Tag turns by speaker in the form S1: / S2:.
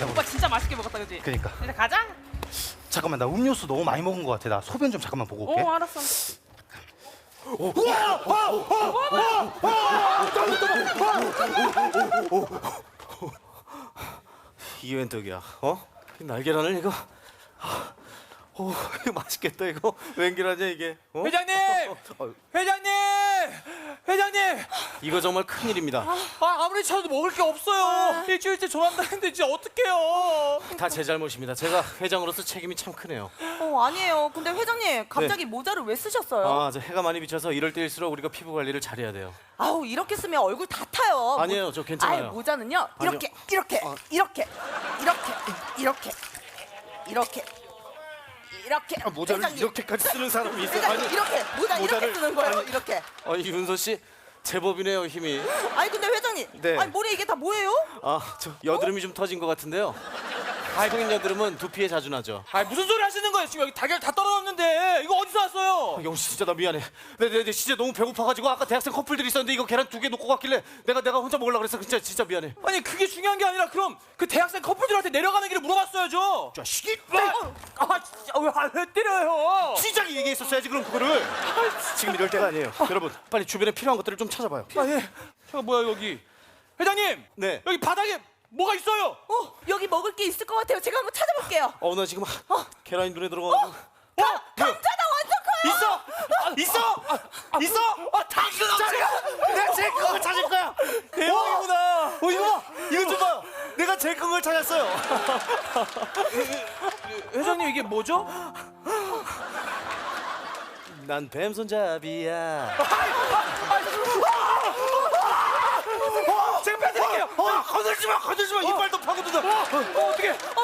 S1: 오빠 진짜 맛있게 먹었다, 그지?
S2: 그니까.
S1: 이제 가자.
S2: 잠깐만, 나 음료수 너무 많이 먹은 것 같아. 나 소변 좀 잠깐만 보고 올게.
S1: 알았어.
S3: 이게 웬 떡이야? 어? 이 날계란을 이거? 오, 이거 맛있겠다 이거. 웬 계란이야 이게? 어?
S4: 회장님! 회장님! 회장님!
S3: 이거 정말 큰일입니다.
S4: 아무리 찾아도 먹을 게 없어요. 일주일째 전화한다는데 진짜 어떡해요.
S3: 다 제 잘못입니다. 제가 회장으로서 책임이 참 크네요.
S5: 아니에요. 근데 회장님 갑자기 모자를 왜 쓰셨어요?
S3: 아, 저 해가 많이 비쳐서 이럴 때일수록 우리가 피부 관리를 잘해야 돼요.
S5: 아우 이렇게 쓰면 얼굴 다 타요.
S3: 아니에요, 저 괜찮아요.
S5: 아유, 모자는요 이렇게 이렇게 이렇게 이렇게 이렇게 이렇게
S3: 모자를
S5: 회장님,
S3: 이렇게까지 쓰는 사람이 있어요?
S5: 회장님
S3: 아니,
S5: 이렇게 모자 이렇게
S3: 모자를-
S5: 쓰는 거예요.
S3: 아니,
S5: 이렇게.
S3: 윤서 씨 제법이네요 힘이.
S5: 아니 근데 회장님,
S3: 네.
S5: 아니 머리 이게 다 뭐예요?
S3: 아, 저 여드름이 좀 터진 것 같은데요. 성인 여드름은 두피에 자주 나죠.
S4: 무슨 소리 하시는 거예요? 지금 여기 달걀 다 떨어졌는데 이거 어디서 왔어요?
S3: 영씨 진짜 나 미안해. 내 진짜 너무 배고파가지고 아까 대학생 커플들이 있었는데 이거 계란 2개 놓고 갔길래 내가 혼자 먹으려고 그랬어. 진짜 미안해.
S4: 아니 그게 중요한 게 아니라 그럼 그 대학생 커플들한테 내려가는 길을 물어봤어야죠.
S3: 자식이!
S4: 진짜 왜 때려요?
S3: 시작이 얘기했었어야지 그럼 그거를. 지금 이럴 때가 아니에요. 여러분 빨리 주변에 필요한 것들을 좀 찾아봐요.
S4: 예. 잠깐 뭐야 여기? 회장님!
S3: 네.
S4: 여기 바닥에 뭐가 있어요?
S5: 여기 먹을 게 있을 것 같아요. 제가 한번 찾아볼게요.
S3: 나 지금 계란이 눈에 들어가가지고.
S5: 감자다 완전 커요.
S3: 있어! 내가 제일 큰 걸 찾을 거야.
S4: 대박이구나.
S3: 이거 좀 봐. 내가 제일 큰 걸 찾았어요.
S4: 회장님 이게 뭐죠?
S3: 난 뱀손잡이야.
S4: 제가 빼드릴게요.
S3: 건들지 마. 이빨도 파고든다.
S4: 어떻게?